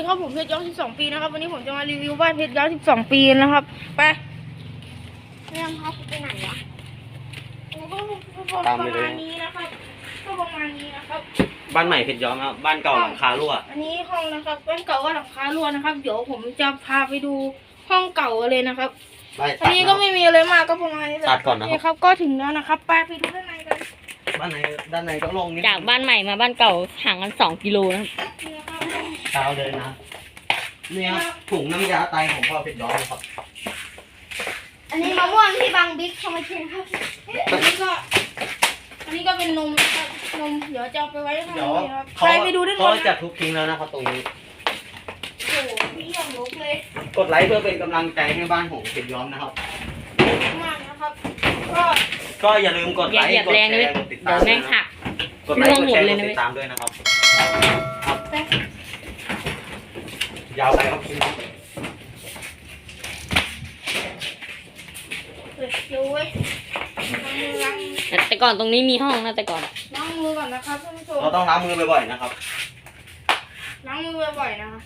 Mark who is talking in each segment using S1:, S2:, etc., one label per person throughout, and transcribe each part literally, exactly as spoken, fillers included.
S1: ครับผมเพชรย้อมสิบสองปีนะครับวันนี้ผมจะมารีวิวบ้านเพชรย้อมสิบสองปีนะครับไปเรื่องครับไปไหนวะก็ประมาณนี้นะครับก็ประมาณนี้นะครับ
S2: บ้านใหม่เพชรย้อมครับบ้านเก่าหลังคารั่ว
S1: อันนี้ห้องนะครับบ้านเก่าก็หลังคารั่วนะครับเดี๋ยวผมจะพาไปดูห้องเก่าเลยนะครับอันนี้ก็ไม่มีอะไรมากก็ประมาณนี้ตัดก่อนนะครับก็ถึงแล้วนะครับไปไปดูด้านในกัน
S2: บ้านในด้านในก็โล่งนิด
S3: จากบ้านใหม่มาบ้านเก่าห่างกันสองกิโลนะครับ
S2: เช้าเลยนะเนี่ยถุงน้ำยาไตของพ่อเพชรย้อมครับ
S1: อันนี้มะม่วงที่บางบิ๊กเขามาเช็ครับอันนี้ก็อันนี้ก็เป็นนมครับนมเดี๋ยวจะเอาไปไว้ข้างในครับไปไปดูด้านบน
S2: เขาจะทุบทิ้งแล้วนะครับตรงนี้
S1: โอ้โหพี่ยังลุกเลย
S2: กดไลค์เพื่อเป็นกำลังใจให้บ้านของเพชรย้อมนะครับ
S1: มากนะครับก็
S2: ก็อย่าลืมกดไลค์กดแชร์กดติดตาม
S3: เดี๋ยวแม่งหัก
S2: กดไลค์กดแชร์กดติดตามด้วยนะครับยาวไปครับคิด
S1: ดูเว้ย
S3: แต่ก่อนตรงนี้มีห้องนะแต่ก่อน
S1: ล้างมือก่อนนะครับท่านผู้ชม
S2: เราต้องล้างมือบ่อยๆนะครับ
S1: ล้างมือบ่อยๆนะครับ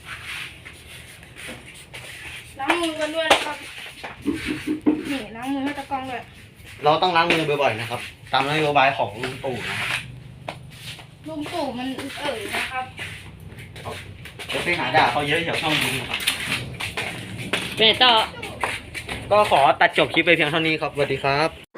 S1: ล้างมือกันด้วยนะครับนี่ล้างมือให้ตะกองด้วย
S2: เราต้องล้างมือบ่อยๆนะครับตามนโยบายของลุงตู่นะครับ
S1: ลุงตู่มันเอ่ยนะครับ
S2: เดี๋ยวไปหาด่าเขาเยอะเดี๋ยวช่องลุงนะครับ
S3: เป็นต่อ
S2: ก็ขอตัดจบคลิปไปเพียงเท่านี้ครับสวัสดีครับ